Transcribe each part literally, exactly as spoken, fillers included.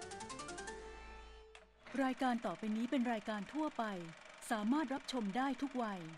รายการต่อไปนี้เป็นรายการทั่วไปสามารถรับชมได้ทุกวัย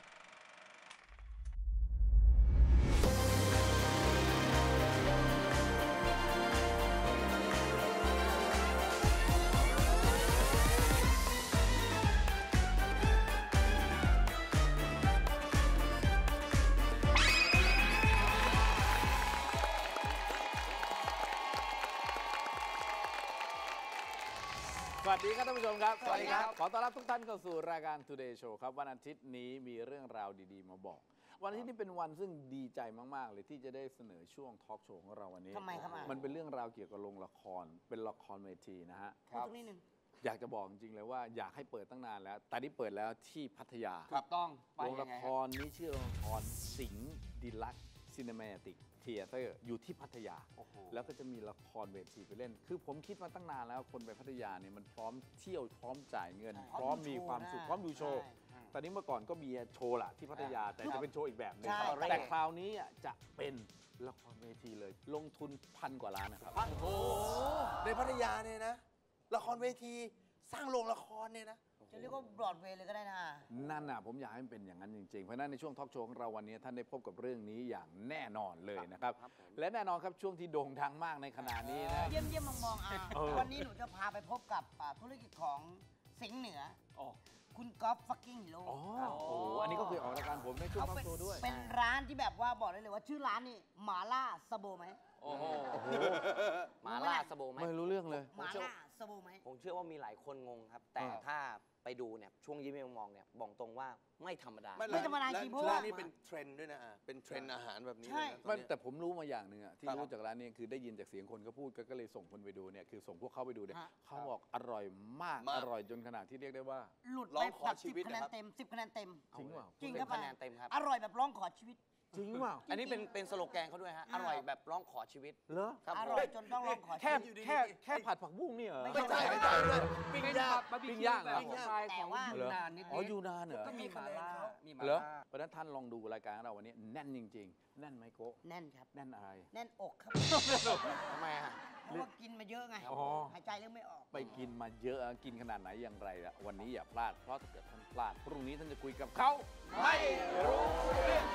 สวัสดีครับท่านผู้ชมครับสวัสดีครับขอต้อนรับทุกท่านเข้าสู่รายการ Today Show ครับวันอาทิตย์นี้มีเรื่องราวดีๆมาบอกวันอาทิตย์นี้เป็นวันซึ่งดีใจมากๆเลยที่จะได้เสนอช่วงทอล์กโชว์ของเราวันนี้ทำไมครับมันเป็นเรื่องราวเกี่ยวกับโรงละครเป็นละครเวทีนะฮะครับตรงนี้หนึ่งอยากจะบอกจริงๆเลยว่าอยากให้เปิดตั้งนานแล้วแต่นี่เปิดแล้วที่พัทยาถูกต้องโรงละครนี้ชื่อโรงละครสิงห์ดีลักซ์ซีนิเมติกเทียเตอร์อยู่ที่พัทยาแล้วก็จะมีละครเวทีไปเล่นคือผมคิดมาตั้งนานแล้วคนไปพัทยาเนี่ยมันพร้อมเที่ยวพร้อมจ่ายเงินพร้อมมีความสุขพร้อมดูโชว์ตอนนี้เมื่อก่อนก็มีโชว์ละที่พัทยาแต่จะเป็นโชว์อีกแบบนึงแต่คราวนี้จะเป็นละครเวทีเลยลงทุนพันกว่าล้านนะครับโอ้โหในพัทยาเนี่ยนะละครเวทีสร้างโรงละครเนี่ยนะจะเรียกว่าบรอดเวย์เลยก็ได้นะนั่นน่ะผมอยากให้มันเป็นอย่างนั้นจริงๆเพราะนั้นในช่วงทอล์กโชว์ของเราวันนี้ท่านได้พบกับเรื่องนี้อย่างแน่นอนเลยนะครับและแน่นอนครับช่วงที่โด่งดังมากในขณะนี้นะเยี่ยมเยี่ยมมองๆอ่ะวันนี้หนูจะพาไปพบกับธุรกิจของสิงห์เหนือคุณก๊อฟฟักกิ้งฮีโร่อ๋อโอ้อันนี้ก็เคยออกรายการผมในช่วงทอล์กโชว์ด้วยเป็นร้านที่แบบว่าบอกได้เลยว่าชื่อร้านนี่หมาล่าสโบไหมโอ้โหหมาล่าสโบไหมไม่รู้เรื่องเลยหมาล่าสโบไหมผมเชื่อว่ามีหลายคนงงครับแต่ถ้าไปดูเนี่ยช่วงยิ้มมองเนี่ยบอกตรงว่าไม่ธรรมดาไม่ธรรมดาจริงเพราะว่านี่เป็นเทรนด์ด้วยนะเป็นเทรนด์อาหารแบบนี้ไม่แต่ผมรู้มาอย่างหนึ่งอะที่รู้จากร้านนี้คือได้ยินจากเสียงคนก็พูดก็เลยส่งคนไปดูเนี่ยคือส่งพวกเขาไปดูเนี่ยเขาบอกอร่อยมากอร่อยจนขนาดที่เรียกได้ว่าหลุดไปแบบสิบคะแนนเต็มสิบคะแนนเต็มจริงว่าจริงครับคะแนนเต็มครับอร่อยแบบร้องขอชีวิตจริงว่าอันนี้เป็นเป็นสโลแกนเขาด้วยฮะอร่อยแบบร้องขอชีวิตเหรออร่อยจนต้องร้องขอชีวิตแค่แค่ผัดผักบุ้งนี่เหรอไม่ใช่ไม่ใช่ปิ้งย่างปิ้งย่างเหรอแต่ว่ายูนานนิดอ๋อยูนานเหรอก็มีมาล่ามีมาล่าเหรอเพราะฉะนั้นท่านลองดูรายการเราวันนี้แน่นจริงๆแน่นไหมโก้แน่นครับแน่นอะไรแน่นอกครับทำไมอ่ะเพราะว่ากินมาเยอะไงหายใจเรื่องไม่ออกไปกินมาเยอะกินขนาดไหนอย่างไรอะวันนี้อย่าพลาดเพราะถ้าเกิดท่านพลาดพรุ่งนี้ท่านจะคุยกับเขาไม่รู้เรื่อง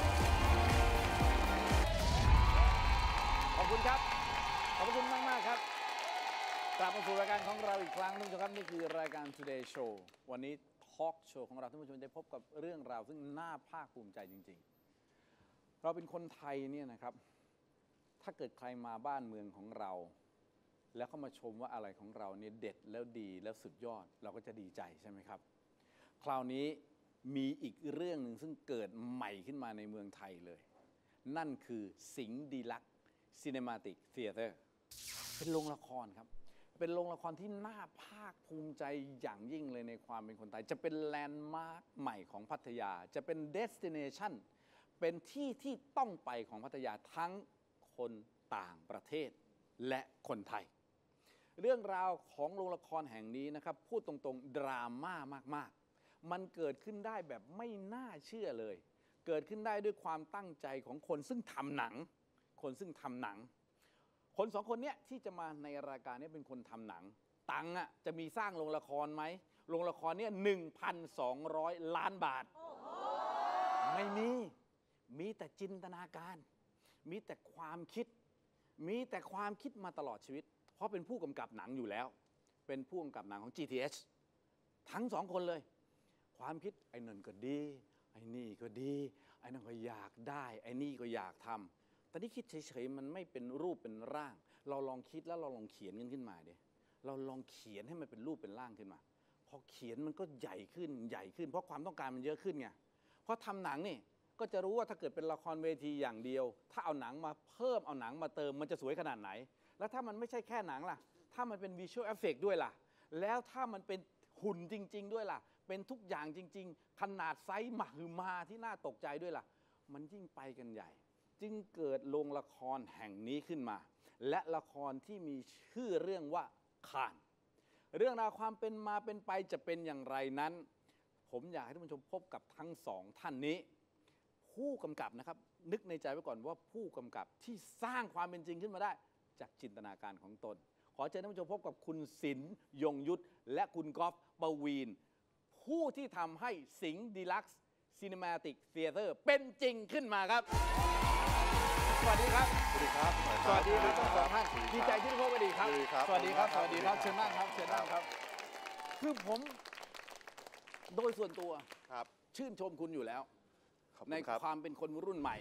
ขอบคุณครับขอบคุณมากมากครับกลับมาสู่รายการของเราอีกครั้งนึงครับนี่คือรายการ Today Show วันนี้ทอล์กโชว์ของเราท่านผู้ชมได้พบกับเรื่องราวซึ่งน่าภาคภูมิใจจริงๆเราเป็นคนไทยเนี่ยนะครับถ้าเกิดใครมาบ้านเมืองของเราแล้วเขามาชมว่าอะไรของเราเนี่ยเด็ดแล้วดีแล้วสุดยอดเราก็จะดีใจใช่ไหมครับคราวนี้มีอีกเรื่องหนึ่งซึ่งเกิดใหม่ขึ้นมาในเมืองไทยเลยนั่นคือสิงห์ดีลักซ์ซีนิมาติกเทียเตอร์เป็นโรงละครครับเป็นโรงละครที่น่าภาคภูมิใจอย่างยิ่งเลยในความเป็นคนไทยจะเป็นแลนด์มาร์คใหม่ของพัทยาจะเป็นเดสติเนชันเป็นที่ที่ต้องไปของพัทยาทั้งคนต่างประเทศและคนไทยเรื่องราวของโรงละครแห่งนี้นะครับพูดตรงๆดราม่ามากๆมันเกิดขึ้นได้แบบไม่น่าเชื่อเลยเกิดขึ้นได้ด้วยความตั้งใจของคนซึ่งทำหนังคนซึ่งทำหนังคนสองคนเนี้ยที่จะมาในรายการนี้เป็นคนทำหนังตังค์อ่ะจะมีสร้างโรงละครไหมโรงละครเนี่ยหนึ่งพันสองร้อยล้านบาทไม่มีมีแต่จินตนาการมีแต่ความคิดมีแต่ความคิดมาตลอดชีวิตเพราะเป็นผู้กำกับหนังอยู่แล้วเป็นผู้กำกับหนังของ จี ที เอช ทั้งสองคนเลยความคิดไอ้นั่นก็ดีไอ้นี่ก็ดีไอ้นั่นก็อยากได้ไอ้นี่ก็อยากทำแต่นี่คิดเฉยๆมันไม่เป็นรูปเป็นร่างเราลองคิดแล้วเราลองเขียนกันขึ้นมาดิเราลองเขียนให้มันเป็นรูปเป็นร่างขึ้นมาพอเขียนมันก็ใหญ่ขึ้นใหญ่ขึ้นเพราะความต้องการมันเยอะขึ้นไงเพราะทำหนังนี่ก็จะรู้ว่าถ้าเกิดเป็นละครเวทีอย่างเดียวถ้าเอาหนังมาเพิ่มเอาหนังมาเติมมันจะสวยขนาดไหนแล้วถ้ามันไม่ใช่แค่หนังล่ะถ้ามันเป็นวิชวลเอฟเฟกต์ด้วยล่ะแล้วถ้ามันเป็นหุ่นจริงๆด้วยล่ะเป็นทุกอย่างจริงๆขนาดไซส์มหึมาที่น่าตกใจด้วยล่ะมันยิ่งไปกันใหญ่จึงเกิดโรงละครแห่งนี้ขึ้นมาและละครที่มีชื่อเรื่องว่าข่านเรื่องราวความเป็นมาเป็นไปจะเป็นอย่างไรนั้นผมอยากให้ท่านผู้ชมพบกับทั้งสองท่านนี้ผู้กำกับนะครับนึกในใจไว้ก่อนว่าผู้กำกับที่สร้างความเป็นจริงขึ้นมาได้จากจินตนาการของตนขอเชิญท่านผู้ชมพบกับคุณศิลป์ยงยุทธและคุณกอล์ฟปวีณผู้ที่ทำให้สิงห์ดีลักซ์ซีนิมาติกเธียเตอร์เป็นจริงขึ้นมาครับสวัสดีครับสวัสดีครับสวัสดีครับทั้งสองท่านดีใจที่ได้พบกันอีกครับสวัสดีครับสวัสดีครับเชิญนั่งครับเชิญนั่งครับคือผมโดยส่วนตัวครับชื่นชมคุณอยู่แล้วในความเป็นคนรุ่นใหม่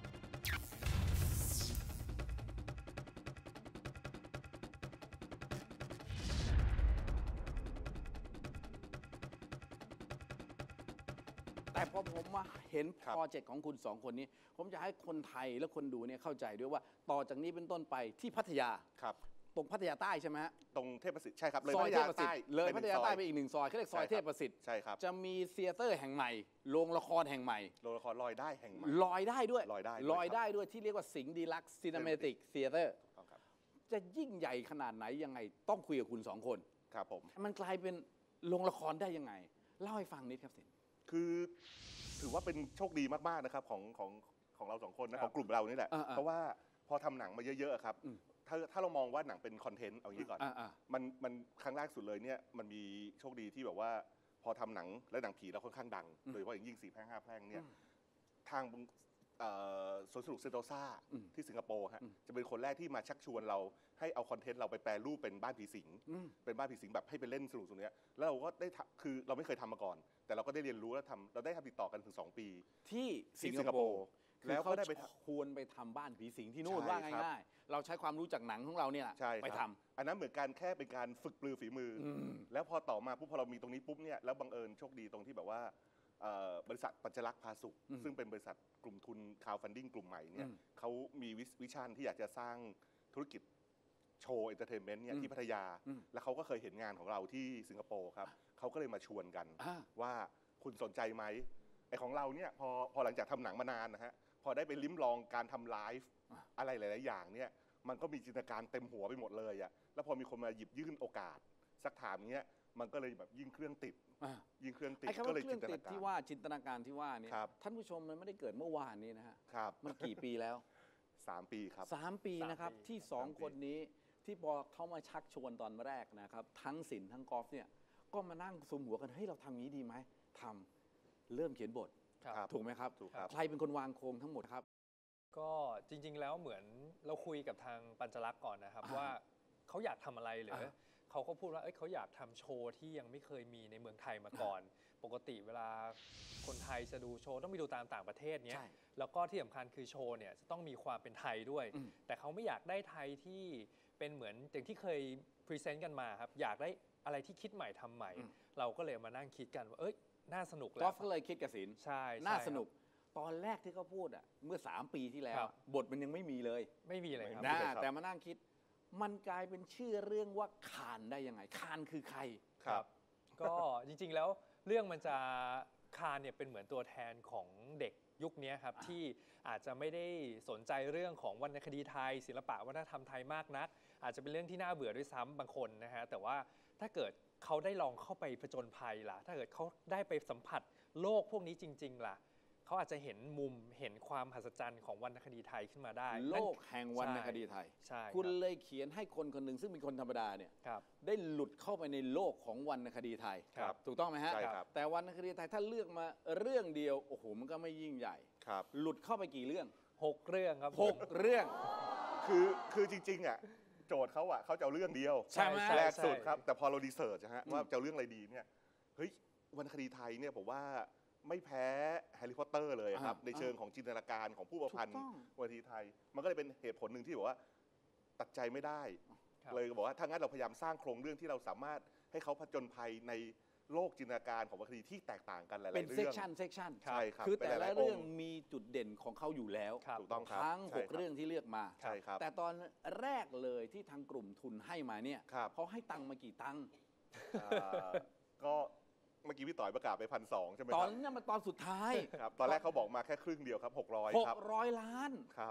แต่พอผมมาเห็นโปรเจกต์ของคุณสองคนนี้ผมจะให้คนไทยและคนดูเนี่ยเข้าใจด้วยว่าต่อจากนี้เป็นต้นไปที่พัทยาครับตรงพัทยาใต้ใช่ไหมฮะตรงเทพประสิทธิ์ใช่ครับเลยซพัอยทเทยาพประสิทใต้ธิ์เลยพัทยาใต้ไปอีกหนึ่งซอยเขาเรียกซอยเทพประสิทธิ์ใช่ครับจะมีเธียเตอร์แห่งใหม่โรงละครแห่งใหม่โรงละครลอยได้แห่งใหม่ลอยได้ด้วยลอยได้ลอยได้ด้วยที่เรียกว่าสิงห์ดีลักซ์ซีนิมาติกเธียเตอร์จะยิ่งใหญ่ขนาดไหนยังไงต้องคุยกับคุณสองคนครับผมมันกลายเป็นโรงละครได้ยังไงเล่าให้ฟังนิดครับสิคือถือว่าเป็นโชคดีมากๆนะครับของของของเราสองคนนะของกลุ่มเรานี่แหละเพราะว่าพอทำหนังมาเยอะๆครับถ้าถ้าเรามองว่าหนังเป็นคอนเทนต์เอางี้ก่อนมันมันครั้งแรกสุดเลยเนี่ยมันมีโชคดีที่แบบว่าพอทำหนังและหนังผีเราค่อนข้างดังโดยเฉพาะอย่างยิ่งสี่แพร่งห้าแพร่งเนี่ยทางสวนสนุกเซนโตซาที่สิงคโปร์ฮะจะเป็นคนแรกที่มาชักชวนเราให้เอาคอนเทนต์เราไปแปลรูปเป็นบ้านผีสิงเป็นบ้านผีสิงแบบให้ไปเล่นสนุกตรงนี้แล้วเราก็ได้คือเราไม่เคยทำมาก่อนแต่เราก็ได้เรียนรู้และทำเราได้ทำติดต่อกันถึงสองปีที่สิงคโปร์แล้วก็ได้ไปควรไปทำบ้านผีสิงที่นู่นว่าง่ายๆเราใช้ความรู้จากหนังของเราเนี่ยไปทำอันนั้นเหมือนการแค่เป็นการฝึกปลือฝีมือแล้วพอต่อมาปุ๊บพอเรามีตรงนี้ปุ๊บเนี่ยแล้วบังเอิญโชคดีตรงที่แบบว่าบริษัทปัญจลักษณ์พาสุขซึ่งเป็นบริษัทกลุ่มทุนคาวฟันดิ้งกลุ่มใหม่เนี่ยเขามีวิชั่นที่อยากจะสร้างธุรกิจโชว์เอนเตอร์เทนเมนต์เนี่ยที่พัทยาแล้วเขาก็เคยเห็นงานของเราที่สิงคโปร์ครับเขาก็เลยมาชวนกันว่าคุณสนใจไหมไอของเราเนี่ยพอพอหลังจากทำหนังมานานนะฮะพอได้ไปลิ้มลองการทำไลฟ์อะไรหลายๆอย่างเนี่ยมันก็มีจินตนาการเต็มหัวไปหมดเลยอะแล้วพอมีคนมาหยิบยื่นโอกาสสักถามเงี้ยมันก็เลยแบบยิ่งเครื่องติดยิ่งเครื่องติดก็เลยจินตนาการที่ว่าจินตนาการที่ว่านี่ท่านผู้ชมมันไม่ได้เกิดเมื่อวานนี้นะฮะมันกี่ปีแล้วสามปีครับสามปีนะครับที่สองคนนี้ที่พอเขามาชักชวนตอนแรกนะครับทั้งศิลป์ทั้งกอล์ฟเนี่ยก็มานั่งซุมหัวกันเฮ้ยเราทำงี้ดีไหมทำเริ่มเขียนบทถูกไหมครับใครเป็นคนวางโครงทั้งหมดครับก็จริงๆแล้วเหมือนเราคุยกับทางปัญจลักษณ์ก่อนนะครับว่าเขาอยากทำอะไรหรือเขาก็พูดว่าเอ้ยเขาอยากทำโชว์ที่ยังไม่เคยมีในเมืองไทยมาก่อนปกติเวลาคนไทยจะดูโชว์ต้องไปดูตามต่างประเทศเนี้ยแล้วก็ที่สำคัญคือโชว์เนี่ยจะต้องมีความเป็นไทยด้วยแต่เขาไม่อยากได้ไทยที่เป็นเหมือนอย่างที่เคยพรีเซนต์กันมาครับอยากได้อะไรที่คิดใหม่ทำใหม่เราก็เลยมานั่งคิดกันว่าเอ้ยน่าสนุกแล้วก็เลยคิดกับศิลป์ใช่น่าสนุกตอนแรกที่เขาพูดอ่ะเมื่อสามปีที่แล้วบทมันยังไม่มีเลยไม่มีเลยครับแต่มานั่งคิดมันกลายเป็นชื่อเรื่องว่าคานได้ยังไงคานคือใครครับก็จริงๆแล้วเรื่องมันจะคานเนี่ยเป็นเหมือนตัวแทนของเด็กยุคนี้ครับที่อาจจะไม่ได้สนใจเรื่องของวรรณคดีไทยศิลปะวัฒนธรรมไทยมากนักอาจจะเป็นเรื่องที่น่าเบื่อด้วยซ้ำบางคนนะฮะแต่ว่าถ้าเกิดเขาได้ลองเข้าไปผจญภัยล่ะถ้าเกิดเขาได้ไปสัมผัสโลกพวกนี้จริงๆล่ะเขาอาจจะเห็นมุมเห็นความมหัศจรรย์ของวรรณคดีไทยขึ้นมาได้โลกแห่งวรรณคดีไทยใช่คุณเลยเขียนให้คนคนหนึ่งซึ่งเป็นคนธรรมดาเนี่ยได้หลุดเข้าไปในโลกของวรรณคดีไทยถูกต้องไหมฮะแต่วรรณคดีไทยถ้าเลือกมาเรื่องเดียวโอ้โหมันก็ไม่ยิ่งใหญ่หลุดเข้าไปกี่เรื่องหกเรื่องครับหกเรื่องคือคือจริงๆอ่ะโจทย์เขาอ่ะเขาจะเอาเรื่องเดียวใช่ไหมแรกสุดครับแต่พอเราดีเสิร์ชนะฮะว่าจะเอาเรื่องอะไรดีเนี่ยเฮ้ยวรรณคดีไทยเนี่ยผมว่าไม่แพ้แฮร์รี่พอตเตอร์เลยครับในเชิงของจินตนาการของผู้ประพันธ์วรรณคดีไทยมันก็เลยเป็นเหตุผลหนึ่งที่บอกว่าตัดใจไม่ได้เลยบอกว่าถ้างั้นเราพยายามสร้างโครงเรื่องที่เราสามารถให้เขาผจญภัยในโลกจินตนาการของวรรณคดีที่แตกต่างกันหลายๆเรื่องเป็นเซกชันเซกชันใช่ครับคือแต่ละเรื่องมีจุดเด่นของเขาอยู่แล้วถูกต้องครับทั้งหกเรื่องที่เลือกมาใช่ครับแต่ตอนแรกเลยที่ทางกลุ่มทุนให้มาเนี่ยเขาให้ตังค์มากี่ตังค์ก็เมื่อกี้พี่ต่อยประกาศไปพันสองใช่ไหมครับตอนนี้มันตอนสุดท้ายครับตอนแรกเขาบอกมาแค่ครึ่งเดียวครับหกร้อยครับหกร้อยล้านครับ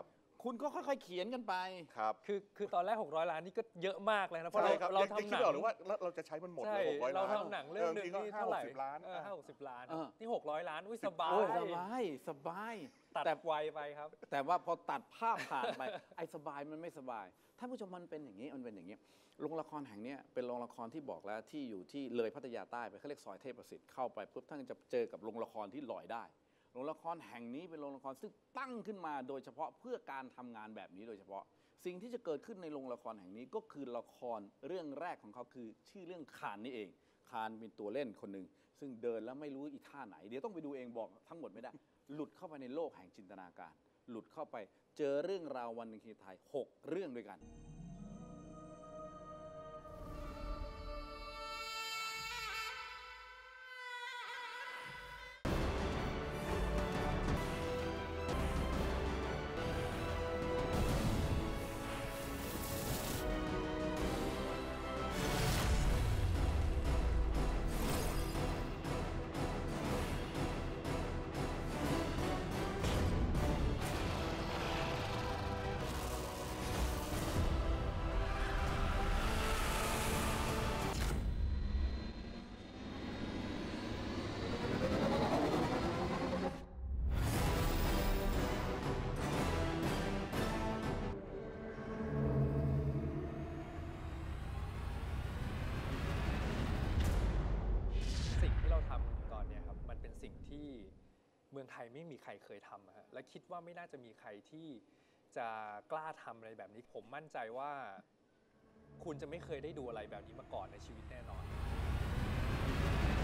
คุณก็ค่อยๆเขียนกันไปครับคือคือตอนแรกหกร้อยล้านนี่ก็เยอะมากเลยนะเพราะใช่เราครับเรายังทำคิหดนัไม่ออกเลยว่าเราเราจะใช้มันหมดใช่เลยหกร้อยเราล้านทำหนังเรื่องหนึงบางทีก็นี่เท่าไหร่ห้าหกสิบล้านเออห้าหกสิบล้านเออนี่หกร้อยล้านอุ้ยสบาโอ้ยยสบายสบายตัดแต่ไวไปครับแต่ว่าพอตัดภาพผ่านไป ไอ้สบายมันไม่สบายท่านผู้ชมมันเป็นอย่างนี้มันเป็นอย่างนี้โรงละครแห่งเนี้ยเป็นโรงละครที่บอกแล้วที่อยู่ที่เลยพัทยาใต้ไปเขาเรียกซอยเทพประสิทธิ์เข้าไปปุ๊บท่านจะเจอกับโรงละครที่ลอยได้โรงละครแห่งนี้เป็นโรงละครซึ่งตั้งขึ้นมาโดยเฉพาะเพื่อการทำงานแบบนี้โดยเฉพาะสิ่งที่จะเกิดขึ้นในโรงละครแห่งนี้ก็คือละครเรื่องแรกของเขาคือชื่อเรื่องคานนี่เองคานเป็นตัวเล่นคนหนึ่งซึ่งเดินแล้วไม่รู้อีท่าไหนเดี๋ยวต้องไปดูเองบอกทั้งหมดไม่ได้ หลุดเข้าไปในโลกแห่งจินตนาการ หลุดเข้าไปเจอเรื่องราววันหนึ่งที่ไทยหกเรื่องด้วยกันสิ่งที่เราทำตอนเนี้ยครับมันเป็นสิ่งที่เมืองไทยไม่มีใครเคยทำอะฮะและคิดว่าไม่น่าจะมีใครที่จะกล้าทำอะไรแบบนี้ผมมั่นใจว่าคุณจะไม่เคยได้ดูอะไรแบบนี้มาก่อนในชีวิตแน่นอน